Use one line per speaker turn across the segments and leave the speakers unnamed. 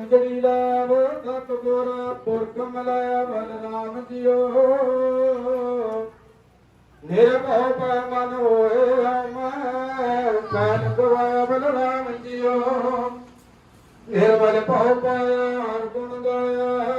ਜੜੀ ਲਾਵ ਸਤਿਗੁਰ ਪੁਰਖ ਮਿਲਾਇਆ ਬਲਰਾਮ ਜੀਓ ਨਿਰਭਉ ਪੈ ਮਨ ਹੋਏ ਮੈਂ ਕਾਨ ਗਵਾਇਆ ਬਲਰਾਮ ਜੀਓ ਨਿਰਮਲ ਭਉ ਪਾਇਆ ਹਰ ਗੁਣ ਗਾਇਆ।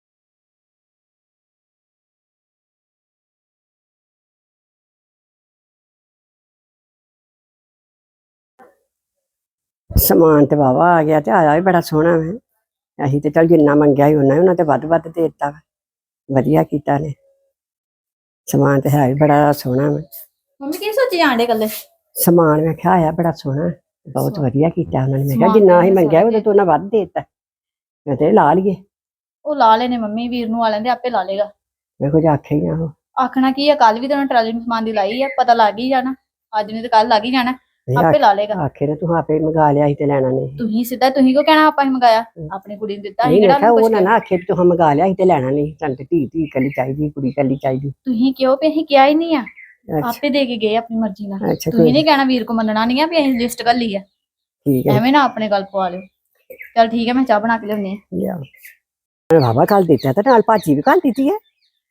समान तो वाहवा आ गया, आया भी बड़ा सोहना है। असीं तो चल जिन्ना मंगया ही उन्ना ते वध वध दे दित्ता, वधिया कीता ने। समान तो है भी बड़ा सोहना है।
मम्मी की सोची जांडे कल्ले
समान मैं क्या आया बड़ा सोहना, बहुत वधिया कीता उन्होंने। मैं कहा जिन्ना असीं मंगया उहदे तो उन्ना वध दे दित्ता, मैं ते ला लईए।
ਉਹ ਲਾ ਲੈਨੇ ਮੰਮੀ ਵੀਰ ਨੂੰ ਆ ਲੈਂਦੇ ਆਪੇ ਲਾ ਲੇਗਾ।
मैं कुछ आखे ही आहो
ਆਖਣਾ ਕੀ ਆ, ਕੱਲ ਵੀ ਤਾਂ ਉਹਨੇ ਟਰਾਲੀ ਨੂੰ ਸਮਾਨ ਦੀ ਲਾਈ ਆ, ਪਤਾ ਲੱਗ ਹੀ ਜਾਣਾ। ਅੱਜ ਨਹੀਂ ਤੇ ਕੱਲ ਲੱਗ ਹੀ ਜਾਣਾ, ਆਪੇ ਲਾ ਲੇਗਾ।
आखे ने तू आपे मंगा लिया, असीं ते लैणा नहीं।
ਤੁਸੀਂ ਸਿੱਧਾ ਤੁਸੀਂ ਕਿਉਂ ਕਹਿਣਾ ਆਪਾਂ ਹੀ ਮੰਗਾਇਆ, ਆਪਣੀ ਕੁੜੀ ਨੂੰ ਦਿੱਤਾ ਸੀ ਕਿਹੜਾ
वो
ਕੁਝ।
ना आखे भी तुहां मंगा लिया, असीं ते लैणा नहीं। सानू ते धी कल्ली चाहिदी, कुड़ी कल्ली चाहिदी।
ਤੁਸੀਂ ਕਿਉਂ ਵੀ ਅਸੀਂ ਕਿਹਾ ਹੀ ਨਹੀਂ ਆ,
अच्छा
ਆਪੇ ਦੇ ਕੇ ਗਏ ਆਪਣੀ ਮਰਜ਼ੀ ਨਾਲ।
अच्छा
ਤੁਸੀਂ ਨਹੀਂ ਕਹਿਣਾ ਵੀਰ ਕੋ ਮੰਨਣਾ ਨਹੀਂ ਆ ਵੀ ਅਸੀਂ ਲਿਸਟ ਕਰ ਲਈ ਆ,
ठीक है
ਐਵੇਂ ਨਾ ਆਪਣੇ ਗੱਲ ਪਵਾ ਲਿਓ। ਚਲ ਠੀਕ ਹੈ, ਮੈਂ ਚਾਹ ਬਣਾ ਕੇ ਲਿਆਉਣੀ ਆ।
ਲਿਆ ਬਾਬਾ ਕੱਲ ਦਿੱਤਾ ਤੇ ਨਾਲ ਭਾਜੀ ਵੀ ਕੱਲ ਦਿੱਤੀ ਹੈ।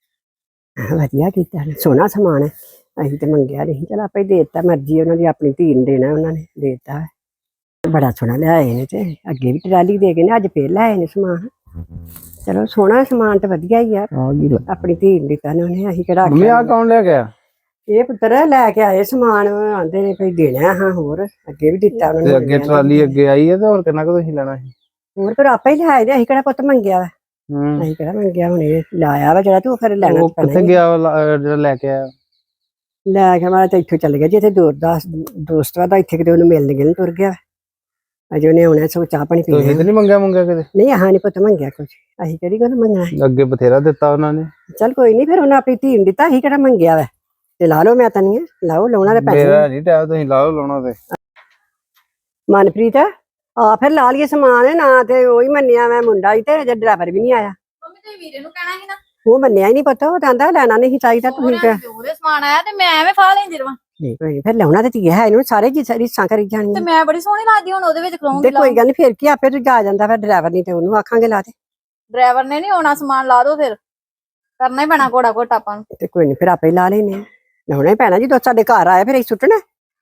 ਵਧੀਆ ਕੀਤਾ ਨੇ, ਸੋਹਣਾ ਸਮਾਨ ਹੈ। ਅਸੀਂ ਤੇ ਮੰਗਿਆ ਨਹੀਂ, ਚਲ ਆਪੇ ਦੇ ਦਿੱਤਾ, ਮਰਜ਼ੀ ਉਹਨਾਂ ਦੀ, ਆਪਣੀ ਧੀ ਨੂੰ ਦੇਣਾ ਉਹਨਾਂ ਨੇ, ਦੇ ਦਿੱਤਾ। ਬੜਾ ਸੋਹਣਾ ਲਿਆਏ ਨੇ, ਤੇ ਅੱਗੇ ਵੀ ਟਰਾਲੀ ਦੇ ਗਏ ਨੇ, ਅੱਜ ਫੇਰ ਲਿਆਏ ਨੇ ਸਮਾਨ। ਚਲੋ ਸੋਹਣਾ ਸਮਾਨ ਤੇ ਵਧੀਆ ਹੀ ਆ, ਆਪਣੀ ਧੀ ਨੂੰ ਦਿੱਤਾ ਨੇ ਉਹਨੇ। ਅਸੀਂ ਕਿਹੜਾ
ਮੰਮੀ ਆ ਕੌਣ ਲੈ ਗਿਆ?
ਇਹ ਪੁੱਤਰ ਲੈ ਕੇ ਆਏ ਸਮਾਨ, ਆਂਦੇ ਨੇ ਕੋਈ ਦੇਣਾ ਹਾਂ। ਹੋਰ ਅੱਗੇ ਵੀ ਦਿੱਤਾ ਉਹਨਾਂ
ਤੇ ਅੱਗੇ ਟਰਾਲੀ ਅੱਗੇ ਆਈ ਹੈ ਤੇ ਹੋਰ ਕਿੰਨਾ ਕੁ ਤੁਸੀਂ ਲੈਣਾ ਸੀ?
ਹੋਰ ਫਿਰ ਆਪੇ ਹੀ ਲਿਆਏ ਨੇ, ਅਸੀਂ ਕਿਹੜਾ ਪੁੱਤ ਮੰਗਿਆ ਵਾ। ਅਸੀਂ ਕਿਹੜਾ ਮੰਗਿਆ, ਹੁਣ ਇਹ ਲਾਇਆ ਵਾ ਜਿਹੜਾ, ਤੂੰ ਫਿਰ ਲੈਣਾ
ਉਹ ਕਿੱਥੇ ਗਿਆ ਜਿਹੜਾ ਲੈ ਕੇ ਆਇਆ?
ਲੈ ਕੇ ਮੈਂ ਤਾਂ ਇੱਥੋਂ ਚੱਲ ਗਿਆ ਜੀ, ਇੱਥੇ ਦੋਸਤ ਵਾ ਤਾਂ ਇੱਥੇ ਕਿਤੇ ਉਹਨੂੰ ਮਿਲਣ ਗਏ ਤੁਰ ਗਿਆ। ਅਜੇ ਉਹਨੇ ਆਉਣਾ, ਸੋ ਚਾਹ ਪਾਣੀ ਪੀਣਾ।
ਤੁਸੀਂ ਤੇ ਨਹੀਂ ਮੰਗਿਆ ਕਿਤੇ?
ਨਹੀਂ ਆਹ ਨਹੀਂ ਪੁੱਤ ਮੰਗਿਆ ਕੁਝ, ਅਸੀਂ ਕਿਹੜੀ ਗੱਲ ਮੰਗਣਾ।
ਅੱਗੇ ਬਥੇਰਾ ਦਿੱਤਾ ਉਹਨਾਂ ਨੇ।
ਚੱਲ ਕੋਈ ਨਹੀਂ, ਫਿਰ ਉਹਨੇ ਆਪਣੀ ਧੀ ਨੂੰ ਦਿੱਤਾ, ਅਸੀਂ ਕਿਹੜਾ ਮੰਗਿਆ ਵਾ। ਤੇ ਲਾ ਲਓ, ਮੈਂ ਤਾਂ ਨਹੀਂ ਲਾਓ, ਲਾਉਣਾ ਤਾਂ ਪੈਸੇ।
ਮੇਰਾ ਨਹੀਂ ਟਾਈਮ, ਤੁਸੀਂ ਲਾ ਲਓ ਲਾਉਣਾ ਤੇ।
ਮਨਪ੍ਰੀਤ ਆ ਫਿਰ ਲਾ ਲਈਏ ਸਮਾਨ, ਨਾ ਤੇ ਉਹੀ ਮੰਨਿਆ ਮੈਂ ਮੁੰਡਾ ਹੀ, ਤੇ ਅਜੇ ਡਰਾਈਵਰ ਵੀ ਨਹੀਂ ਆਇਆ।
ਮੰਮੀ ਤੇ ਵੀਰੇ ਨੂੰ ਕਹਿਣਾ ਸੀ ਨਾ,
ਉਹ ਮੰਨਿਆ ਹੀ ਨਹੀਂ ਪਤਾ, ਉਹ ਕਹਿੰਦਾ ਲੈਣਾ ਨਹੀਂ ਚਾਹੀਦਾ। ਤੁਸੀਂ ਕਿਹਾ
ਉਹਦੇ ਸਮਾਨ ਆਇਆ ਤੇ ਮੈਂ ਐਵੇਂ ਫਾ ਲੈਂਦੀ ਰਵਾਂ।
ਨਹੀਂ ਕੋਈ ਨੀ, ਫਿਰ ਲਾਉਣਾ ਤੇ ਧੀਆ ਹੈ, ਇਹਨੂੰ ਸਾਰੇ ਰੀਸਾਂ ਕਰੀ
ਤੇ
ਜਾਣੀਆਂ।
ਮੈਂ ਬੜੀ ਸੋਹਣੀ ਲੱਗਦੀ ਹੁਣ ਉਹਦੇ ਵਿੱਚ ਖਲੋਂਗੀ।
ਤੇ ਕੋਈ ਗੱਲ ਨੀ, ਫਿਰ ਕੀ ਆਪੇ ਤੂੰ ਜਾ ਜਾਂਦਾ, ਫਿਰ ਡਰਾਈਵਰ ਨਹੀਂ ਤੇ ਉਹਨੂੰ ਆਖਾਂਗੇ ਲਾ ਦੇ।
ਡਰਾਈਵਰ ਨੇ ਨਹੀਂ ਆਉਣਾ, ਸਮਾਨ ਲਾ ਦੋ, ਫਿਰ ਕਰਨਾ ਹੀ ਪੈਣਾ ਘੋੜਾ ਘੋਟਾ ਆਪਾਂ ਨੂੰ।
ਤੇ ਕੋਈ ਨੀ, ਫਿਰ ਆਪੇ ਲਾ ਲੈਨੇ, ਲਾਉਣਾ ਹੀ ਪੈਣਾ। ਜਦੋਂ ਸਾਡੇ ਘਰ ਆਇਆ ਫਿਰ ਅਸੀਂ ਸੁੱਟਣਾ।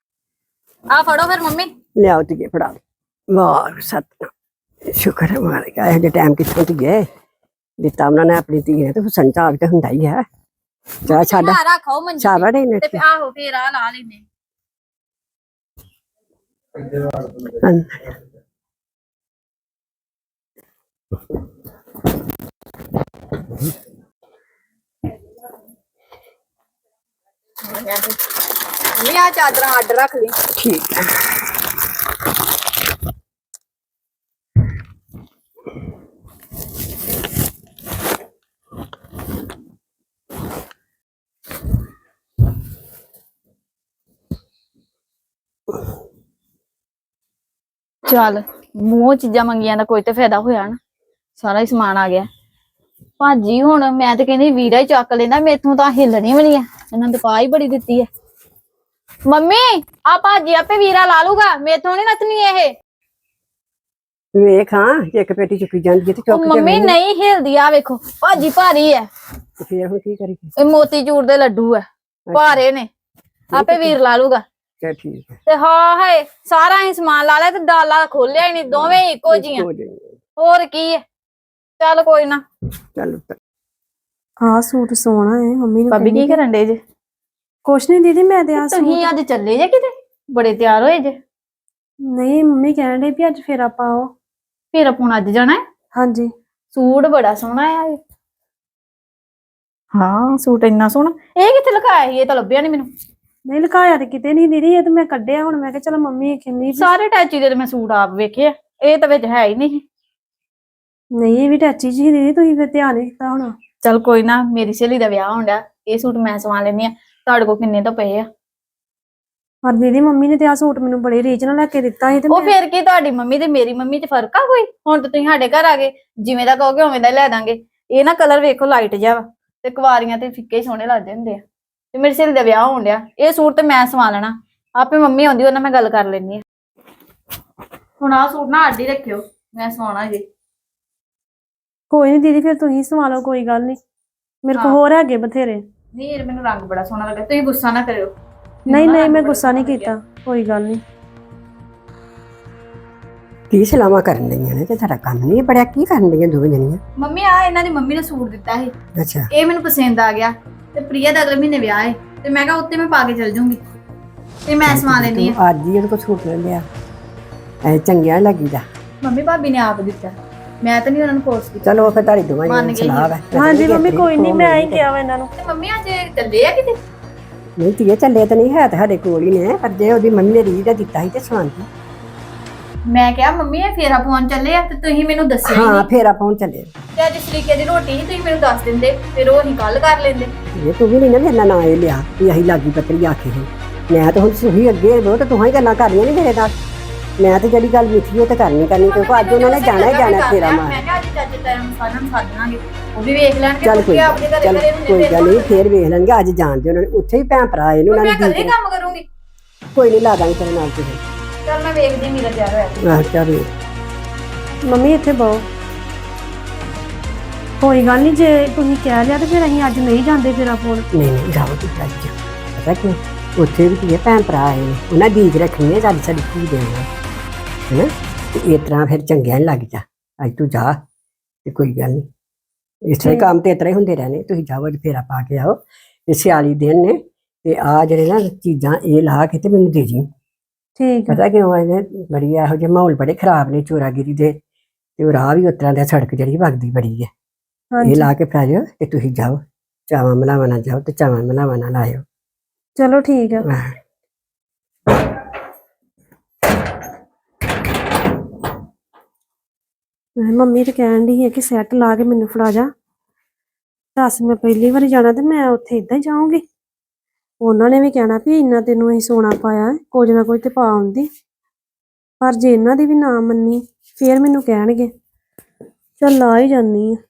ਆ ਫੜੋ ਫਿਰ ਮੰਮੀ।
ਲਿਆਓ ਧੀਏ, ਫੜਾ ਵਾਹ ਸਤਿ ਸ਼ੁਕਰ ਹੈ ਮਾਲਕ, ਇਹੋ ਜਿਹੇ ਟਾਈਮ ਕਿੱਥੋਂ ਧੀਏ ਦਿੱਤਾ ਉਹਨਾਂ ਨੇ ਆਪਣੀ ਧੀ ਨੇ, ਤੇ ਹੁਸਨ ਚਾਹ ਤੇ ਹੁੰਦਾ ਹੀ ਹੈ। ਚਾਹ ਸਾਡਾ
ਰੱਖੋ ਮੰਜੀ
ਸਾਵੜ ਹੀ ਨੇ
ਤੇ ਆਹੋ ਫੇਰ ਆ ਲਾ ਲੈਨੇ। ਮੈਂ ਆ ਚਾਦਰਾਂ ਅੱਡ ਰੱਖ ਲਈ।
ਠੀਕ ਹੈ।
ਚੱਲ ਮੂੰਹ ਚੀਜ਼ਾਂ ਮੰਗੀਆਂ ਦਾ ਕੋਈ ਤੇ ਫਾਇਦਾ ਹੋਇਆ ਨਾ, ਸਾਰਾ ਹੀ ਸਮਾਨ ਆ ਗਿਆ। ਭਾਜੀ ਹੁਣ ਮੈਂ ਤੇ ਕਹਿੰਦੀ ਵੀਰਾ ਹੀ ਚੱਕ ਲੈਂਦਾ, ਮੇਥੋਂ ਤਾਂ ਹਿੱਲਣੀ ਵੀ ਨਹੀਂ ਆ, ਇਹਨਾਂ ਨੇ ਪਾ ਹੀ ਬੜੀ ਦਿੱਤੀ ਹੈ। ਮੰਮੀ ਆ ਭਾਜੀ ਆਪੇ ਵੀਰਾ ਲਾ ਲੂਗਾ, ਮੇਥੋਂ ਨਹੀਂ ਨੱਚਣੀ ਇਹ।
ਵੇਖ ਹਾਂ, ਇੱਕ ਪੇਟੀ ਚੁੱਕੀ ਜਾਂਦੀ ਹੈ ਤੇ ਚੁੱਕ ਕੇ
ਮੰਮੀ ਨਹੀਂ ਹਿਲਦੀ, ਆ ਵੇਖੋ ਭਾਜੀ ਭਾਰੀ ਹੈ।
ਫਿਰ ਹੁਣ ਕੀ ਕਰੀਏ?
ਇਹ ਮੋਤੀ ਚੂਰ ਦੇ ਲੱਡੂ ਹੈ, ਭਾਰੇ ਨੇ, ਆਪੇ ਵੀਰ ਲਾ ਲੂਗਾ।
ਚੱਲ ਠੀਕ ਹੈ।
ਤੇ ਹਾਂ ਹੈ ਸਾਰਾ ਹੀ ਸਮਾਨ ਲਾ ਲਿਆ ਤੇ ਡਾਲਾ ਖੋਲਿਆ ਹੀ ਨਹੀਂ, ਦੋਵੇਂ ਇੱਕੋ ਜੀਆਂ। ਹੋਰ ਕੀ ਹੈ, ਚੱਲ ਕੋਈ ਨਾ।
ਚੱਲ
ਆ ਸੂਟ ਸੋਹਣਾ ਹੈ ਮੰਮੀ ਨੂੰ
ਭਾਬੀ ਕੀ ਕਰਨ ਡੇ ਜੇ?
ਕੁਛ ਨਹੀਂ ਦੀਦੀ, ਮੈਂ ਤੇ ਆ
ਤੁਸੀਂ ਅੱਜ ਚੱਲੇ ਜੇ ਕਿਤੇ, ਬੜੇ ਤਿਆਰ ਹੋਏ ਜੇ।
ਨਹੀਂ ਮੰਮੀ ਕਹਿਣ ਡਈ ਵੀ ਅੱਜ ਫੇਰ ਆਪਾਂ ਆਓ।
ਫਿਰ ਆਪਾਂ ਅੱਜ ਜਾਣਾ ਹੈ?
ਹਾਂਜੀ
ਸੂਟ ਬੜਾ ਸੋਹਣਾ ਆ ਇਹ। ਹਾਂ ਸੂਟ ਇੰਨਾ ਸੋਹਣਾ, ਇਹ ਕਿੱਥੇ ਲੁਕਾਇਆ ਸੀ? ਇਹ ਤਾਂ ਲੱਭਿਆ ਨਹੀਂ ਮੈਨੂੰ।
ਨਹੀਂ ਲੁਕਾਇਆ ਤੇ ਕਿਤੇ ਨਹੀਂ ਦੀਦੀ, ਇਹ ਤਾਂ ਮੈਂ ਕੱਢਿਆ। ਹੁਣ ਮੈਂ ਕਿਹਾ ਚਲ ਮੰਮੀ ਕਹਿੰਦੀ
ਸਾਰੇ ਟੈਚੀ ਦੇ ਤੇ ਮੈਂ ਸੂਟ ਆਪ ਵੇਖੇ, ਇਹ ਤਾਂ ਵਿੱਚ ਹੈ ਹੀ ਨਹੀਂ।
ਨਹੀਂ ਇਹ ਵੀ ਟੈਚੀ ਜੀ ਦੀਦੀ, ਤੁਸੀਂ ਫਿਰ ਧਿਆਨ ਨਹੀਂ ਦਿੱਤਾ ਹੋਣਾ।
ਚਲ ਕੋਈ ਨਾ, ਮੇਰੀ ਸਹੇਲੀ ਦਾ ਵਿਆਹ ਹੋਣ ਡਿਆ, ਇਹ ਸੂਟ ਮੈਂ ਸਵਾ ਲੈਣੀ ਆ। ਤੁਹਾਡੇ ਕੋਲ ਕਿੰਨੇ ਤਾਂ ਪਏ ਆ?
ਪਰ ਦੀਦੀ ਮੰਮੀ ਨੇ ਤੇ ਆ ਸੂਟ ਮੈਨੂੰ ਬੜੇ ਰੀਝ ਨਾਲ ਲੈ ਕੇ ਦਿੱਤਾ ਸੀ। ਤੇ
ਉਹ ਫਿਰ ਕੀ, ਤੁਹਾਡੀ ਮੰਮੀ ਤੇ ਮੇਰੀ ਮੰਮੀ ਚ ਫਰਕ ਆ ਕੋਈ? ਹੁਣ ਤਾਂ ਤੁਸੀਂ ਸਾਡੇ ਘਰ ਆ ਗਏ, ਜਿਵੇਂ ਦਾ ਕਹੋਗੇ ਉਵੇਂ ਦਾ ਲੈ ਦਾਂਗੇ। ਇਹ ਨਾ ਕਲਰ ਵੇਖੋ ਲਾਈਟ ਜਿਹਾ ਵਾ, ਤੇ ਕੁਵਾਰੀਆਂ ਤੇ ਫਿੱਕੇ ਹੀ ਸੋਹਣੇ ਲੱਗਦੇ ਹੁੰਦੇ ਆ। ਤੇ ਮੇਰੀ ਸਹੇਲੀ ਦਾ ਵਿਆਹ ਹੋਣ ਡਿਆ, ਇਹ ਸੂਟ ਤੇ ਮੈਂ ਸਵਾ ਲੈਣਾ। ਆਪੇ ਮੰਮੀ ਆਉਂਦੀ, ਉਹਨਾਂ ਮੈਂ ਗੱਲ ਕਰ ਲੈਣੀ ਆ। ਹੁਣ ਆਹ ਸੂਟ ਨਾ ਅੱਡ ਹੀ ਰੱਖਿਓ, ਮੈਂ ਸਵਾਉਣਾ ਜੀ।
ਕੋਈ ਨਹੀਂ ਦੀਦੀ, ਫਿਰ ਤੁਸੀਂ ਸੰਭਾਲੋ, ਕੋਈ ਗੱਲ ਨਹੀਂ। ਮੇਰੇ ਕੋਲ
ਹਾਂ।
ਹੋਰ ਹੈਗੇ ਬਥੇਰੇ।
ਵੀਰ ਮੈਨੂੰ ਰੰਗ ਬੜਾ ਸੋਹਣਾ ਲੱਗਾ, ਤੁਸੀਂ ਗੁੱਸਾ ਨਾ ਕਰਿਓ।
ਨਹੀਂ
ਮੈਨੂੰ ਨਾ
ਨਹੀਂ,
ਰੰਗ
ਮੈਂ
ਬੜਾ
ਗੁੱਸਾ ਨਹੀਂ
ਸੋਹਣਾ ਲੱਗਿਆ।
ਕੀਤਾ, ਕੋਈ ਗੱਲ ਨਹੀਂ।
ਕੀ ਸਲਾਮਾਂ ਕਰਨ ਲਈਆਂ ਨੇ ਤੇ ਤੁਹਾਡਾ ਕੰਮ ਨਹੀਂ ਬੜਿਆ, ਕੀ ਕਰਨ ਲਈਆਂ ਦੋਵੇਂ ਜਣੀਆਂ?
ਮੰਮੀ ਆ ਇਹਨਾਂ ਦੀ ਮੰਮੀ ਨੇ ਸੂਟ ਦਿੱਤਾ ਸੀ,
ਅੱਛਾ
ਇਹ ਮੈਨੂੰ ਪਸੰਦ ਆ ਗਿਆ ਤੇ ਪ੍ਰਿਆ ਦਾ ਅਗਲੇ ਮਹੀਨੇ ਵਿਆਹ ਹੈ ਤੇ ਮੈਂ ਕਿਹਾ ਉੱਤੇ ਮੈਂ ਪਾ ਕੇ ਚਲ ਜੂੰਗੀ ਤੇ ਮੈਂ ਸਵਾ ਲੈਣੀ ਆ।
ਤੂੰ ਅੱਜ ਹੀ ਉਹਦੇ ਕੋਲ ਸੂਟ ਲੈ ਲਿਆ, ਐ ਚੰਗਿਆ ਲੱਗੀਦਾ।
ਮੰਮੀ ਭਾਬੀ ਨੇ ਆਪ ਦਿੱਤਾ, ਮੈਂ ਤਾਂ ਨਹੀਂ ਉਹਨਾਂ ਨੂੰ ਫੋਰਸ ਕੀਤਾ।
ਚਲੋ ਫਿਰ ਤੁਹਾਡੀ ਦੋਵਾਂ
ਮੰਨ
ਦੀ
ਗਈ
ਸਲਾਹ ਹੈ।
ਹਾਂਜੀ ਮੰਮੀ, ਕੋਈ ਨਹੀਂ, ਮੈਂ ਹੀ ਕਿਹਾ ਵਾ ਇਹਨਾਂ ਨੂੰ।
ਤੇ ਮੰਮੀ ਅੱਜ ਚੱਲੇ ਆ ਕਿਤੇ?
ਨਹੀਂ ਧੀਏ, ਚੱਲੇ ਤਾਂ ਨਹੀਂ ਹੈ, ਤੇ ਸਾਡੇ ਕੋਲ ਹੀ ਨੇ, ਪਰ ਜੇ ਉਹਦੀ ਮੰਮੀ ਨੇ ਰੀਝ ਦਾ ਦਿੱਤਾ ਸੀ ਤੇ ਸਵਾਂਦੀ।
ਮੈਂ ਕਿਹਾ ਮੰਮੀ ਇਹ ਫੇਰਾ ਪਾਉਣ ਚੱਲੇ ਆ ਤੇ ਤੁਸੀਂ ਮੈਨੂੰ ਦੱਸਿਆ ਹੀ
ਹਾਂ
ਨਹੀਂ
ਫੇਰ ਆਪਾਂ ਹੁਣ ਚੱਲੇ।
ਤੇ ਅੱਜ ਸਰੀਕੇ ਦੀ ਰੋਟੀ ਸੀ, ਤੁਸੀਂ ਮੈਨੂੰ ਦੱਸ ਦਿੰਦੇ ਫਿਰ ਉਹ ਅਸੀਂ ਕੱਲ ਕਰ ਲੈਂਦੇ।
ਇਹ ਤੂੰ ਵੀ ਨਹੀਂ ਨਾ ਮੇਰੇ ਨਾਲ ਇਹ ਲਿਆ ਵੀ ਅਸੀਂ ਲਾਗੀ ਪਤਰੀ ਆਖੇ ਸੀ। ਮੈਂ ਤਾਂ ਹੁਣ ਸੁਹੀ ਅੱਗੇ ਬਹੁਤ ਤੂੰ ਹੀ ਗੱਲਾਂ ਕਰਨੀਆਂ ਨਹੀਂ ਮੇਰੇ ਨਾਲ। ਮੈਂ ਤਾਂ ਜਿਹੜੀ ਗੱਲ ਮਿੱਠੀ ਉਹ ਤੇ ਕਰਨੀ ਕਿਉਂਕਿ ਅੱਜ ਉਹਨਾਂ ਨੇ ਜਾਣਾ ਹੀ ਜਾਣਾ ਫੇਰਾ ਮਾਰ।
ਮੈਂ ਕਿਹਾ ਅੱਜ ਚਾਚੇ ਤਾਇਆ ਨੂੰ ਸਾਰਿਆਂ ਨੂੰ ਸੱਦ ਲਾਂਗੇ, ਉਹ ਵੀ ਵੇਖ ਲੈਣਗੇ
ਚੱਲ
ਕਿ ਆਪਣੇ ਘਰੇ
ਚੱਲ
ਘਰੇ ਹੁੰਦੇ
ਕੋਈ
ਫਿਰ
ਗੱਲ ਨਹੀਂ, ਫੇਰ ਵੇਖ ਲੈਣਗੇ। ਅੱਜ ਜਾਣਦੇ ਉਹਨਾਂ ਨੇ ਉੱਥੇ ਹੀ ਭੈਣ ਭਰਾ ਆਏ ਨੇ, ਉਹਨਾਂ
ਮੈਂ
ਨੇ
ਇਕੱਲੇ ਕੰਮ ਕਰੂੰਗੀ।
ਕੋਈ ਨਹੀਂ ਲਾ ਦਾਂਗੇ ਤੇਰੇ ਨਾਲ ਤੁਸੀਂ।
ਚੱਲ ਮੈਂ ਵੇਖਦੀ ਮੇਰਾ ਤਿਆਰ ਹੋਇਆ।
ਆਹ ਚੱਲ
ਮੰਮੀ ਇੱਥੇ ਬਹੁ, ਕੋਈ ਗੱਲ ਨਹੀਂ, ਜੇ ਤੁਸੀਂ ਕਹਿ ਲਿਆ ਤੇ ਫਿਰ ਅਸੀਂ ਅੱਜ ਨਹੀਂ ਜਾਂਦੇ ਫੇਰਾ ਪਾਉਣ।
ਨਹੀਂ ਨਹੀਂ ਜਾਓ ਤੂੰ ਅੱਜ। ਪਤਾ ਕਿਉਂ, ਉੱਥੇ ਵੀ ਕੀ ਭੈਣ ਭਰਾ ਆਏ ਨੇ, ਉਹਨਾਂ ਦੀ ਈਦ ਰੱਖਣੀ ਹੈ ਸਾਡੀ ਧੀ ਦੇ ਨਾਲ, ਹੈ ਨਾ। ਤੇ ਇਸ ਤਰ੍ਹਾਂ ਫਿਰ ਚੰਗਿਆ ਨਹੀਂ ਲੱਗਦਾ। ਅੱਜ ਤੂੰ ਜਾ ਤੇ ਕੋਈ ਗੱਲ ਨਹੀਂ, ਇਸ ਤਰ੍ਹਾਂ ਕੰਮ ਤੇ ਇਸ ਤਰ੍ਹਾਂ ਹੀ ਹੁੰਦੇ ਰਹਿਣੇ। ਤੁਸੀਂ ਜਾਓ ਅੱਜ ਫੇਰਾ ਪਾ ਕੇ ਆਓ, ਤੇ ਸਿਆਲੀ ਦਿਨ ਨੇ, ਤੇ ਆ ਜਿਹੜੇ ਨਾ ਚੀਜ਼ਾਂ ਇਹ ਲਾ ਕੇ ਤੇ ਮੈਨੂੰ ਦੇ ਜੀ।
ਠੀਕ ਹੈ।
ਪਤਾ ਕਿਉਂ ਇਹਨੇ ਬੜੀ ਇਹੋ ਜਿਹੇ ਮਾਹੌਲ ਬੜੇ ਖਰਾਬ ਨੇ ਚੋਰਾਗਿਰੀ ਦੇ, ਤੇ ਉਹ ਰਾਹ ਵੀ ਉਸ ਤਰ੍ਹਾਂ ਦਾ, ਸੜਕ ਜਿਹੜੀ ਵਗਦੀ ਬੜੀ ਹੈ। ਇਹ
ਹਾਂਜੀ
ਲਾ ਕੇ ਪੈ ਜਾਓ ਤੇ ਤੁਸੀਂ ਜਾਓ, ਚਾਵਾਂ ਮਲਾਵਾਂ ਨਾਲ ਜਾਓ ਤੇ ਚਾਵਾਂ ਮਲਾਵਾਂ ਨਾਲ ਆਇਓ।
ਚਲੋ ਠੀਕ ਹੈ।
ਆਹ,
ਮੰਮੀ ਤੇ ਕਹਿਣ ਦੀ ਹੈ ਕਿ ਸੈੱਟ ਲਾ ਕੇ ਮੈਨੂੰ ਫੜਾ ਜਾ। ਦੱਸ, ਮੈਂ ਪਹਿਲੀ ਵਾਰੀ ਜਾਣਾ ਤੇ ਮੈਂ ਉੱਥੇ ਇਦਾਂ ਹੀ ਜਾਊਂਗੀ। ਉਹਨਾਂ ਨੇ ਵੀ ਕਹਿਣਾ ਵੀ ਇੰਨਾ ਤੈਨੂੰ ਅਸੀਂ ਸੋਨਾ ਪਾਇਆ, ਕੁਝ ਨਾ ਕੁਝ ਤੇ ਪਾ ਆਉਂਦੀ। ਪਰ ਜੇ ਇਹਨਾਂ ਦੀ ਵੀ ਨਾ ਮੰਨੀ ਫੇਰ ਮੈਨੂੰ ਕਹਿਣਗੇ। ਚੱਲ ਆ ਹੀ ਜਾਨੀ ਆ।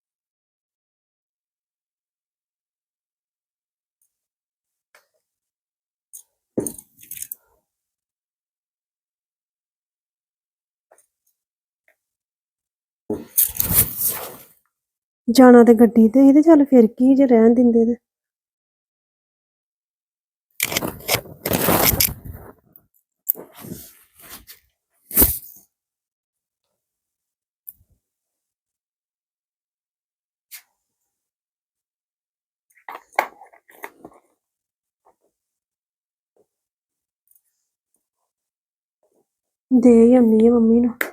ਜਾਣਾ ਤੇ ਗੱਡੀ ਤੇ ਹੀ, ਤੇ ਚੱਲ ਫਿਰ ਕੀ ਜੇ ਰਹਿਣ ਦਿੰਦੇ ਤੇ। ਦੇ ਹੀ ਆਉਣੀ ਆ ਮੰਮੀ ਨੂੰ।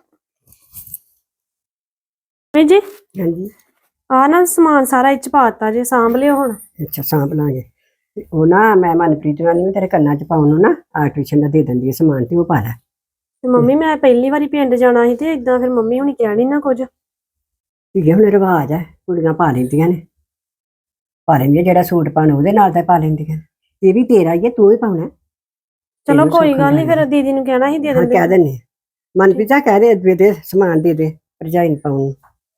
ਜੀ
ਹਾਂਜੀ
ਆ ਨਾ ਸਮਾਨ ਸਾਰਾ ਇੱਚ ਪਾਤਾ ਜੇ, ਸਾਂਭ ਲਿਓ ਹੁਣ।
ਅੱਛਾ ਸਾਂਭ ਲਾਂਗੇ। ਤੇ ਉਹ ਨਾ ਮੈਂ ਮਨਪ੍ਰੀਤ ਨਾਲ ਨਹੀਂ ਤੇਰੇ ਕੰਨਾਂ 'ਚ ਪਾਉਣ ਨੂੰ ਨਾ ਆਰਟੀਸ਼ਨ ਦਾ ਦੇ ਦਿੰਦੀ ਹੈ ਸਮਾਨ, ਤੇ ਉਹ ਪਾ ਲੈ।
ਤੇ ਮੰਮੀ ਮੈਂ ਪਹਿਲੀ ਵਾਰੀ ਪਿੰਡ ਜਾਣਾ ਸੀ ਤੇ ਇਦਾਂ ਫਿਰ ਮੰਮੀ ਹੁਣੀ ਕਹਿਣੀ ਨਾ ਕੁਝ।
ਠੀਕ ਹੈ, ਹੁਣ ਰਿਵਾਜ ਹੈ, ਕੁੜੀਆਂ ਪਾ ਲੈਂਦੀਆਂ ਨੇ, ਪਾ ਲੈਂਦੀਆਂ ਜਿਹੜਾ ਸੂਟ ਪਾਉਣਾ ਉਹਦੇ ਨਾਲ ਤਾਂ ਪਾ ਲੈਂਦੀਆਂ ਨੇ। ਇਹ ਵੀ ਤੇਰਾ ਹੀ ਹੈ, ਤੂੰ ਹੀ ਪਾਉਣਾ।
ਚਲੋ
ਤੈਨੂੰ
ਕੋਈ
ਸੌਖਾ
ਗੱਲ ਨਹੀਂ, ਫਿਰ
ਲੱਗਦਾ।
ਦੀਦੀ ਨੂੰ ਕਹਿਣਾ ਸੀ ਦੇ
ਹਾਂ
ਦਿੰਦੇ।
ਕਹਿ ਦਿੰਦੇ ਹਾਂ। ਮਨਪ੍ਰੀਤ ਆ ਕਹਿ ਦੇ ਸਮਾਨ ਦੇ ਦੇ ਭਰਜਾਈ ਨੂੰ ਪਾਉਣ ਨੂੰ।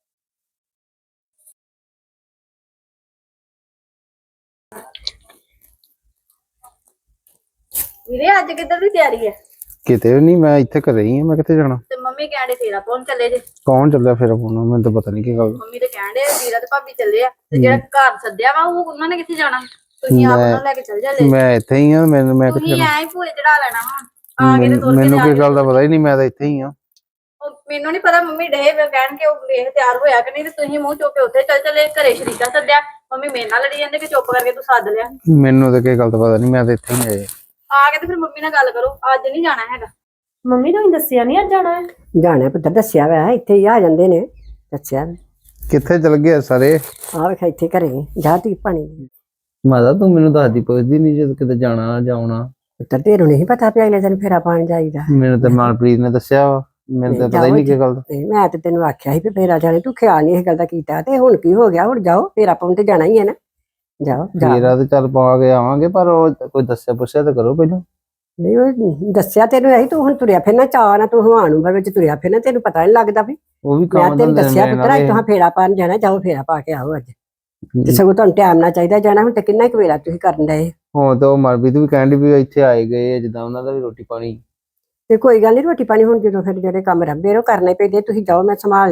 ਵੀਰੇ ਅੱਜ ਕਿੱਧਰ ਦੀ ਤਿਆਰੀ ਹੈ?
ਕਿਤੇ ਨਹੀਂ, ਮੈਂ ਇੱਥੇ ਘਰੇ ਹੀ ਆ। ਮੈਂ ਕਿੱਥੇ ਜਾਣਾ?
ਤੇ ਮੰਮੀ ਕਹਿੰਦੇ ਫੇਰਾ ਪਾਉਣ ਚੱਲੇ ਜੇ।
ਕੌਣ ਚੱਲਿਆ ਫਿਰ ਪਾਉਣਾ? ਮੈਨੂੰ ਤਾਂ ਪਤਾ ਨਹੀਂ ਕੀ ਗੱਲ।
ਮੰਮੀ ਤੇ ਕਹਿੰਦੇ ਵੀਰਾ ਤੇ ਭਾਬੀ ਚੱਲੇ ਆ, ਤੇ ਜਿਹੜਾ ਘਰ ਸੱਦਿਆ ਵਾ ਉਹ ਉਹਨਾਂ ਨੇ ਕਿੱਥੇ ਜਾਣਾ? ਤੁਸੀਂ ਆਪ ਉਹਨਾਂ ਨੂੰ ਲੈ ਕੇ ਚੱਲ ਜਾਂਦੇ।
ਮੈਂ ਇੱਥੇ ਹੀ ਆ। ਮੈਂ ਕਿੱਥੇ
ਤੁਸੀਂ
ਜਾਣਾ?
ਐਂ ਹੀ ਭੂਏ ਚੜਾ ਲੈਣਾ ਵਾ, ਆ ਕੇ ਤੇ ਤੁਰ ਕੇ
ਮੈਨੂੰ
ਜਾ
ਕੋਈ
ਕੇ
ਗੱਲ ਦਾ ਪਤਾ ਹੀ ਨਹੀਂ, ਮੈਂ ਤਾਂ ਇੱਥੇ ਹੀ ਆ।
ਮੈਨੂੰ ਨਹੀਂ ਪਤਾ। ਮੰਮੀ ਡੇ ਕਹਿਣ ਕੇ ਉਹ ਵੇਖ ਤਿਆਰ ਹੋਇਆ ਕਿ ਨਹੀਂ, ਤੇ ਤੁਸੀਂ ਮੂੰਹ ਚੁੱਕ ਕੇ ਉੱਥੇ ਚੱਲ ਚਲੇ। ਘਰੇ ਸ਼ਰੀਕਾ ਸੱਦਿਆ, ਮੰਮੀ ਮੇਰੇ ਨਾਲ ਲੜੀ ਜਾਂਦੇ ਕਿ ਚੁੱਪ ਕਰਕੇ ਤੂੰ ਸੱਦ ਲਿਆ।
ਮੈਨੂੰ ਤਾਂ ਕੋਈ ਗੱਲ ਦਾ ਪਤਾ ਨਹੀਂ, ਮੈਂ ਤਾਂ ਇੱਥੇ ਹੀ ਆਇਆ।
ਆ ਕੇ ਤੇ ਫਿਰ ਮੰਮੀ ਨਾਲ ਗੱਲ ਕਰੋ, ਅੱਜ ਨਹੀਂ ਜਾਣਾ ਹੈਗਾ।
ਮੰਮੀ ਨੂੰ ਦੱਸਿਆ ਨਹੀਂ ਅੱਜ ਜਾਣਾ ਹੈ।
ਜਾਣਾ ਪੁੱਤਰ, ਦੱਸਿਆ ਵਾ ਇੱਥੇ ਹੀ ਆ ਜਾਂਦੇ ਨੇ, ਦੱਸਿਆ।
ਕਿੱਥੇ ਚਲ ਗਏ ਸਾਰੇ?
ਆ ਵੇਖ ਇੱਥੇ ਘਰੇ ਜਾ ਤੀ ਪਾਣੀ।
ਮਾਤਾ ਤੂੰ ਮੈਨੂੰ ਦੱਸਦੀ ਪੁੱਛਦੀ ਨਹੀਂ ਜਦੋਂ ਕਿਤੇ ਜਾਣਾ ਜਾਉਣਾ।
ਪੁੱਤਰ ਤੇਰੇ ਨਹੀਂ ਪਤਾ ਪਿਆ ਅਗਲੇ ਦਿਨ ਫੇਰਾ ਪਾਣ ਜਾਈਦਾ।
ਮੈਨੂੰ ਤਾਂ ਮਨਪ੍ਰੀਤ ਨੇ ਦੱਸਿਆ ਵਾ, ਮੈਨੂੰ ਤਾਂ ਪਤਾ ਹੀ ਨਹੀਂ ਕੀ ਗੱਲ ਦਾ।
ਤੇ ਮੈਂ ਤੇ ਤੈਨੂੰ ਆਖਿਆ ਸੀ ਵੀ ਫੇਰਾ ਜਾਣੇ, ਤੂੰ ਖਿਆਲ ਨਹੀਂ ਇਹ ਗੱਲ ਦਾ ਕੀਤਾ। ਤੇ ਹੁਣ ਕੀ ਹੋ ਗਿਆ? ਹੁਣ ਜਾਓ, ਫੇਰਾ ਪਾਉਣ ਤੇ ਜਾਣਾ ਹੀ ਹੈ ਨਾ। ਜਾਓ ਜਾ।
ਫੇਰਾ ਤੇ ਚੱਲ ਪਾ ਕੇ ਆਵਾਂਗੇ, ਪਰ ਉਹ ਕੋਈ ਦੱਸਿਆ ਪੁੱਛਿਆ ਤਾਂ ਕਰੋ ਪਹਿਲਾਂ।
ਨਹੀਂ ਉਹ ਦੱਸਿਆ ਤੈਨੂੰ ਇਹੀ, ਤੂੰ ਹੁਣ ਤੁਰਿਆ ਫਿਰਨਾ ਚਾਅ ਨਾ, ਤੂੰ ਹਵਾਨ ਵਿੱਚ ਤੁਰਿਆ ਫਿਰਨਾ, ਤੈਨੂੰ ਪਤਾ ਨਹੀਂ ਲੱਗਦਾ ਵੀ
ਉਹ ਵੀ
ਮੈਂ
ਕੰਮ
ਤੈਨੂੰ
ਧੰਦੇ
ਦੱਸਿਆ
ਨੇ
ਪੁੱਤਰ ਅੱਜ
ਨਾਲੇ।
ਤੁਹਾਂ ਫੇਰਾ ਪਾਣ ਜਾਣਾ, ਜਾਓ ਫੇਰਾ ਪਾ ਕੇ ਆਓ ਅੱਜ। ਤੇ ਸਗੋਂ ਤੁਹਾਨੂੰ ਟਾਈਮ ਨਾਲ ਚਾਹੀਦਾ ਜਾਣਾ। ਹੁਣ ਤੇ ਕਿੰਨਾ ਕੁ ਵੇਲਾ ਤੁਸੀਂ ਕਰਨ ਡਏ।
ਹੁਣ ਤਾਂ ਉਹ ਮਨਪ੍ਰੀਤ ਵੀ ਕਹਿੰਦੀ ਵੀ ਇੱਥੇ ਆਏ ਗਏ ਜਿੱਦਾਂ ਉਹਨਾਂ ਦਾ ਵੀ ਰੋਟੀ ਪਾਣੀ।
ਤੇ ਕੋਈ ਗੱਲ ਨਹੀਂ, ਰੋਟੀ ਪਾਣੀ ਹੁਣ ਜਦੋਂ ਫਿਰ ਜਿਹੜੇ ਕੰਮ ਰੱਬੇ ਉਹ ਕਰਨੇ ਪੈਂਦੇ, ਤੁਸੀਂ ਜਾਓ, ਮੈਂ ਸੰਭਾਲ ਲਾਂਗੀ।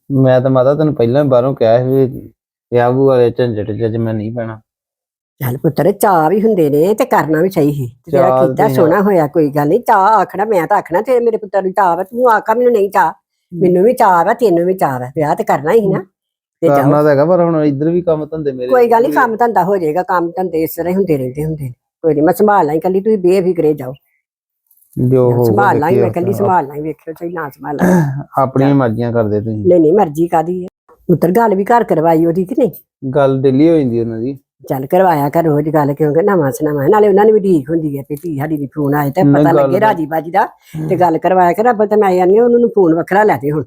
ਮੈਂ ਤਾਂ ਮਾਤਾ ਤੈਨੂੰ ਪਹਿਲਾਂ ਹੀ ਬਾਹਰੋਂ ਕਿਹਾ ਸੀ ਵੀ ਵਿਆਹ ਵੂ ਵਾਲੇ ਝੰਜਟ ਚ ਮੈਂ ਨਹੀਂ ਪੈਣਾ।
ਚੱਲ ਪੁੱਤਰ ਚਾਹ ਵੀ ਹੁੰਦੇ ਨੇ ਤੇ ਕਰਨਾ ਵੀ ਚਾਹੀਏ ਤੇ ਜਿਹੜਾ
ਚਾਅ
ਕੀਤਾ
ਤੇ
ਸੋਹਣਾ ਹੋਇਆ, ਕੋਈ ਗੱਲ ਨਹੀਂ। ਚਾਹ ਆਖਣਾ ਮੈਂ ਤਾਂ ਆਖਣਾ ਤੇ ਮੇਰੇ ਪੁੱਤਰ ਨੂੰ ਚਾਹ ਵਾ, ਤੂੰ ਆਖਾ ਮੈਨੂੰ ਨਹੀਂ ਚਾਹ। ਮੈਨੂੰ ਵੀ ਚਾਹ ਵਾ, ਤੈਨੂੰ ਵੀ ਚਾਹ ਵਾ, ਵਿਆਹ ਤੇ ਕਰਨਾ ਹੀ ਨਾ ਤੇ ਜਾਓ।
ਕਰਨਾ ਤਾਂ ਹੈਗਾ ਪਰ ਹੁਣ ਇੱਧਰ ਵੀ ਕੰਮ ਧੰਦੇ ਮੇਰੇ
ਕੋਈ ਗੱਲ ਨਹੀਂ, ਕੰਮ ਧੰਦਾ ਹੋ ਜਾਏਗਾ, ਕੰਮ ਧੰਦੇ ਇਸ ਤਰ੍ਹਾਂ ਹੀ ਹੁੰਦੇ ਨੇ। ਕੋਈ ਨਹੀਂ, ਮੈਂ ਸੰਭਾਲ ਲਾਂ ਕੱਲੀ, ਤੁਸੀਂ ਬੇਫਿਕਰੇ ਜਾਓ।
ਜੋ ਹੋ
ਸੰਭਾਲ ਲਾਂ ਮੈਂ ਕੱਲੀ, ਸੰਭਾਲ ਲਾਂ, ਵੇਖਿਓ ਚਾਹੀ ਨਾ ਸੰਭਾਲ ਲਾਂ।
ਆਪਣੀਆਂ ਮਰਜ਼ੀਆਂ ਕਰਦੇ ਤੁਸੀਂ।
ਨਹੀਂ ਮਰਜ਼ੀ ਕਾਦੀ ਹੈ ਪੁੱਤਰ, ਗੱਲ ਵੀ ਘਰ ਕਰਵਾਈ ਉਹਦੀ ਕਿ ਨਹੀਂ?
ਗੱਲ ਦਿੱਲੀ ਹੋ ਜਾਂਦੀ ਉਹਨਾਂ ਦੀ।
ਚੱਲ ਕਰਵਾਇਆ ਕਰ ਰੋਜ਼ ਗੱਲ, ਕਿਉਂਕਿ ਨਵਾਂ ਸੁਨਾਵਾ ਨਾਲੇ ਉਹਨਾਂ ਨੂੰ ਵੀ ਠੀਕ ਹੁੰਦੀ ਹੈ ਵੀ ਧੀ ਸਾਡੀ ਦੀ ਫੋਨ ਆਏ ਤੇ
ਨਹੀਂ,
ਪਤਾ
ਗੱਲ
ਲੱਗੇ
ਤਾਂ-
ਰਾਜੀ ਬਾਜੀ ਦਾ ਤੇ ਗੱਲ ਕਰਵਾਇਆ ਕਰ। ਅੱਬਲ ਤੇ ਮੈਂ ਆਨੀ ਉਹਨੂੰ ਨੂੰ ਫੋਨ ਵੱਖਰਾ ਲੈ ਦੇ ਹੁਣ।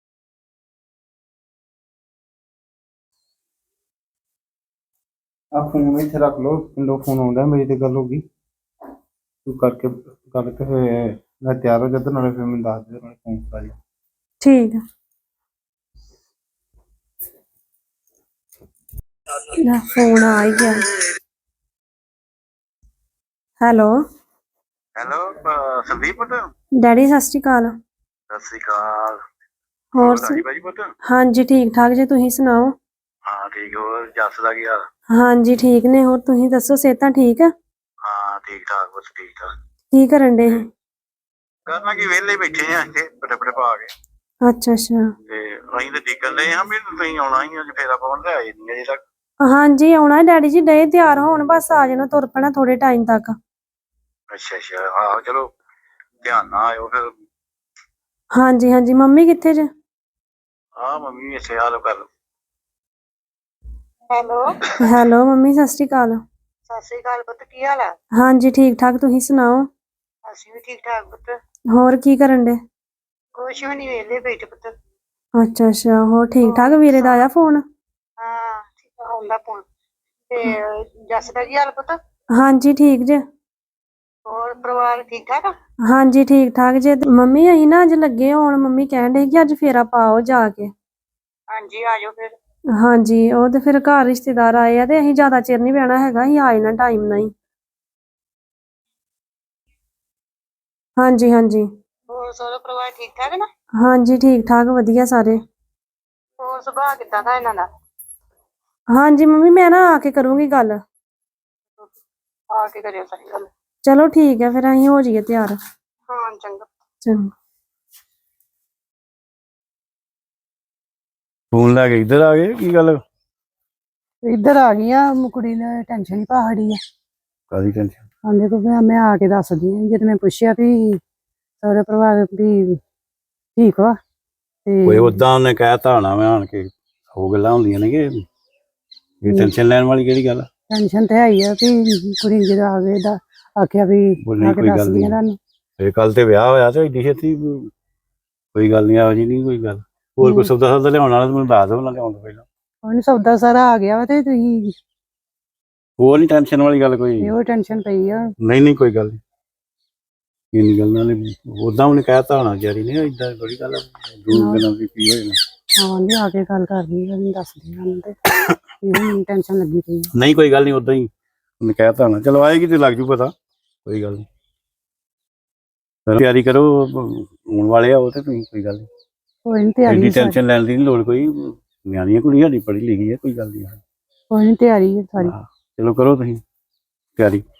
ਆ ਫੋਨ ਇੱਥੇ ਰੱਖ ਲਓ, ਪਿੰਡੋਂ ਫੋਨ ਆਉਂਦਾ, ਮੇਰੀ ਤੇ ਗੱਲ ਹੋ ਗਈ। ਤੂੰ ਕਰਕੇ ਗੱਲ ਤੇ ਫਿਰ ਮੈਂ ਤਿਆਰ ਹੋ ਜਾ ਤੇ ਨਾਲੇ ਫਿਰ ਮੈਨੂੰ ਦੱਸ ਦੇ, ਨਾਲੇ ਫੋਨ ਕਰਾ ਦੇ।
ਠੀਕ ਆ। ਲੈ ਫੋਨ ਆ ਹੀ ਗਿਆ। ਹੈਲੋ
ਹੈਲੋ ਸੰਦੀਪ ਪੁੱਤ।
ਡੈਡੀ ਸਤਿ ਸ਼੍ਰੀ ਅਕਾਲ।
ਸਤਿ ਸ੍ਰੀ ਅਕਾਲ।
ਹੋਰ
ਰਾਜੀ ਬਾਜੀ ਪੁੱਤ।
ਹਾਂਜੀ ਠੀਕ ਠਾਕ ਜੀ, ਤੁਸੀਂ ਸੁਣਾਓ?
ਹਾਂ ਠੀਕ। ਹੋਰ ਜੱਸ ਦਾ ਕੀ ਹਾਲ?
ਹਾਂਜੀ ਠੀਕ ਨੇ। ਹੋਰ ਤੁਸੀਂ ਦੱਸੋ, ਸਿਹਤਾਂ ਠੀਕ ਆ?
ਹਾਂ ਠੀਕ ਠਾਕ ਪੁੱਤ, ਠੀਕ ਠਾਕ।
ਕੀ ਕਰਨ ਡੇ?
ਕਰਨਾ ਕੀ, ਵਿਹਲੇ ਬੈਠੇ ਆ ਇੱਥੇ ਪਟੇ ਪਾ ਕੇ।
ਅੱਛਾ ਅੱਛਾ।
ਤੇ ਅਸੀਂ ਤਾਂ ਦੇਖਣ ਡਏ ਹਾਂ ਵੀ ਤੁਸੀਂ ਆਉਣਾ ਹੀ ਅੱਜ, ਫੇਰ ਆਪਾਂ ਤੇ ਆਏ ਨਹੀਂ ਅਜੇ ਤੱਕ।
ਹਾਂਜੀ ਆਉਣਾ ਡੈਡੀ ਜੀ, ਡਏ ਤਿਆਰ ਹੋਣ, ਬਸ ਆ ਜਾਣਾ, ਤੁਰ ਪੈਣਾ ਥੋੜੇ ਟਾਈਮ ਤੱਕ।
ਅੱਛਾ ਅੱਛਾ, ਆਹੋ ਚਲੋ ਧਿਆਨ ਨਾਲ ਆਇਓ ਫਿਰ।
ਹਾਂਜੀ ਹਾਂਜੀ। ਮੰਮੀ ਕਿੱਥੇ ਜੇ?
ਹਾਂ ਮੰਮੀ ਵੀ ਇੱਥੇ ਹਾਲ ਕਰ।
ਹੈਲੋ
ਹੈਲੋ ਮੰਮੀ ਸਤਿ ਸ਼੍ਰੀ ਅਕਾਲ।
ਸਤਿ ਸ੍ਰੀ ਅਕਾਲ ਪੁੱਤ, ਕੀ ਹਾਲ ਆ?
ਹਾਂਜੀ ਠੀਕ ਠਾਕ, ਤੁਸੀਂ ਸੁਣਾਓ?
ਅਸੀਂ ਵੀ ਠੀਕ ਠਾਕ ਪੁੱਤ।
ਹੋਰ ਕੀ ਕਰਨ ਡੇ?
ਕੁਛ ਵੀ ਨੀ, ਵਿਹਲੇ ਬੈਠੇ ਪੁੱਤ।
ਅੱਛਾ ਅੱਛਾ। ਹੋਰ ਠੀਕ ਠਾਕ? ਵੀਰੇ ਦਾ ਆਇਆ ਫੋਨ?
ਹਾਂ ਠੀਕ ਆ, ਆਉਂਦਾ ਫੋਨ। ਤੇ ਜੱਸ ਦਾ ਕੀ ਹਾਲ ਪੁੱਤ?
ਹਾਂਜੀ ਠੀਕ ਜੇ।
ਹੋਰ ਪਰਿਵਾਰ ਠੀਕ ਠਾਕ ਆ?
ਹਾਂਜੀ ਠੀਕ ਠਾਕ ਜੇ। ਮੰਮੀ ਅਸੀਂ ਨਾ ਅੱਜ ਲੱਗੇ ਹੋਣ, ਮੰਮੀ ਕਹਿਣ ਡੇ ਕਿ ਅੱਜ ਫੇਰਾ ਪਾਓ ਜਾ ਕੇ।
ਹਾਂਜੀ ਆ ਜਾਓ ਫਿਰ।
ਹਾਂਜੀ ਉਹ ਤੇ ਫਿਰ ਘਰ ਰਿਸ਼ਤੇਦਾਰ ਆਏ ਆ ਤੇ ਅਸੀਂ ਜ਼ਿਆਦਾ ਚਿਰ ਨਹੀਂ ਬਹਿਣਾ ਹੈਗਾ, ਅਸੀਂ ਆ ਜਾਣਾ ਟਾਈਮ ਨਾਲ ਹੀ। ਹਾਂਜੀ ਹਾਂਜੀ।
ਹੋਰ ਸਾਰਾ ਪਰਿਵਾਰ ਠੀਕ ਠਾਕ ਨਾ?
ਹਾਂਜੀ ਠੀਕ ਠਾਕ ਵਧੀਆ ਸਾਰੇ।
ਹੋਰ ਸੁਭਾਅ ਕਿੱਦਾਂ ਦਾ ਇਹਨਾਂ ਦਾ?
ਹਾਂਜੀ ਮੰਮੀ ਮੈਂ ਨਾ ਆ ਕੇ ਕਰੂੰਗੀ ਗੱਲ।
ਆ ਕੇ ਕਰਿਓ ਸਾਰੀ ਗੱਲ।
ਚਲੋ ਠੀਕ ਹੈ, ਫਿਰ ਅਸੀਂ ਹੋ ਜਾਈਏ ਤਿਆਰ।
ਹਾਂ ਚੰਗਾ।
ਚੰਗਾ।
ਫੋਨ ਲੈ ਕੇ ਇੱਧਰ ਆ ਗਏ, ਕੀ ਗੱਲ?
ਇੱਧਰ ਆ ਗਈ ਆ, ਕੁੜੀ ਨੇ ਟੈਨਸ਼ਨ ਹੀ ਪਹਾੜੀ ਆ।
ਕਾਹਦੀ ਟੈਨਸ਼ਨ?
ਆਂਦੇ ਕੋ ਮੈਂ ਆ ਕੇ ਦੱਸਦੀ ਆ। ਜਦ ਮੈਂ ਪੁੱਛਿਆ ਵੀ ਸਾਰੇ ਪਰਿਵਾਰ ਵੀ ਠੀਕ ਵਾ
ਕੋਈ
ਤੇ
ਉਦਾਂ ਉਹਨੇ ਕਹਿਤਾ ਹੋਣਾ ਮੈਂ ਆਣ ਕੇ, ਹੋ ਗੱਲਾਂ ਹੁੰਦੀਆਂ ਨੇ ਕਿ ਇਹ ਟੈਨਸ਼ਨ ਲੈਣ ਵਾਲੀ ਕਿਹੜੀ ਗੱਲ ਆ?
ਟੈਨਸ਼ਨ ਤੇ ਹੈ ਹੀ ਆ ਵੀ ਕੁੜੀ ਜਦੋਂ ਆ ਗਏ ਦਾ ਆਖਿਆ ਵੀ
ਬੋਲੀ
ਆ ਕੇ
ਕੋਈ ਗੱਲ
ਦੱਸਦੀ ਆ
ਨਹੀਂ।
ਤੁਹਾਨੂੰ।
ਇਹ ਕੱਲ ਤੇ ਵਿਆਹ ਹੋਇਆ ਤੇ ਏਡੀ ਛੇਤੀ ਕੋਈ ਗੱਲ ਨਹੀਂ, ਇਹੋ ਜਿਹੀ ਨਹੀਂ ਕੋਈ ਗੱਲ। ਹੋਰ ਕੋਈ ਸੌਦਾ ਲਿਆਉਣ ਵਾਲਾ ਤੇ ਮੈਨੂੰ ਦੱਸ ਦਿਓ ਨਾ, ਲਿਆਉਣ ਤੋਂ ਪਹਿਲਾਂ।
ਉਹਨੂੰ ਸੌਦਾ ਸਾਰਾ ਆ ਗਿਆ ਵਾ ਤੇ ਤੁਸੀਂ
ਹੋਰ ਨਹੀਂ ਟੈਨਸ਼ਨ ਵਾਲੀ ਗੱਲ ਕੋਈ।
ਇਹੋ ਟੈਨਸ਼ਨ ਪਈ ਆ।
ਨਹੀਂ ਕੋਈ ਗੱਲ ਨਹੀਂ, ਇੰਨੀ ਗੱਲ ਨਾਲ ਉਦਾਂ ਉਹਨੇ ਕਹਿਤਾ ਹੋਣਾ ਜਾਰੀ ਨੇ, ਏਦਾਂ ਬੜੀ ਗੱਲ ਆ, ਦੂਰ ਗੱਲਾਂ ਵੀ ਕੀ ਹੋ ਜਾਣਾ।
ਹਾਂ ਜੀ ਆ ਕੇ ਗੱਲ ਕਰਦੀ ਆ, ਮੈਨੂੰ ਦੱਸਦੀ ਆ ਤੇ ਇਹੋ ਟੈਨਸ਼ਨ ਲੱਗੀ ਪਈ ਆ।
ਨਹੀਂ ਕੋਈ ਗੱਲ ਨਹੀਂ, ਉਦਾਂ ਹੀ ਉਹਨੇ ਕਹਿਤਾ ਹੋਣਾ। ਚਲੋ ਆਏਗੀ ਤੇ ਲੱਗ ਜੂ ਪਤਾ, ਕੋਈ ਗੱਲ ਨਹੀਂ। ਤਿਆਰੀ ਕਰੋ, ਆਉਣ ਵਾਲੇ ਆ ਉਹ ਤੇ ਤੁਸੀਂ, ਕੋਈ ਗੱਲ ਨਹੀਂ।
ਕੋਈ ਨਹੀਂ ਤਿਆਰੀ
ਐਡੀ
ਆ ਸਾਰੀ।
ਟੈਨਸ਼ਨ ਲੈਣ ਦੀ ਨਹੀਂ ਲੋੜ ਕੋਈ। ਨਿਆਣੀ ਕੁੜੀ ਸਾਡੀ ਪੜ੍ਹੀ ਲਿਖੀ ਹੈ, ਕੋਈ ਗੱਲ ਨਹੀਂ।
ਕੋਈ ਨਹੀਂ ਤਿਆਰੀ ਆ ਸਾਰੀ।
ਚਲੋ ਕਰੋ ਤੁਸੀਂ ਤਿਆਰੀ।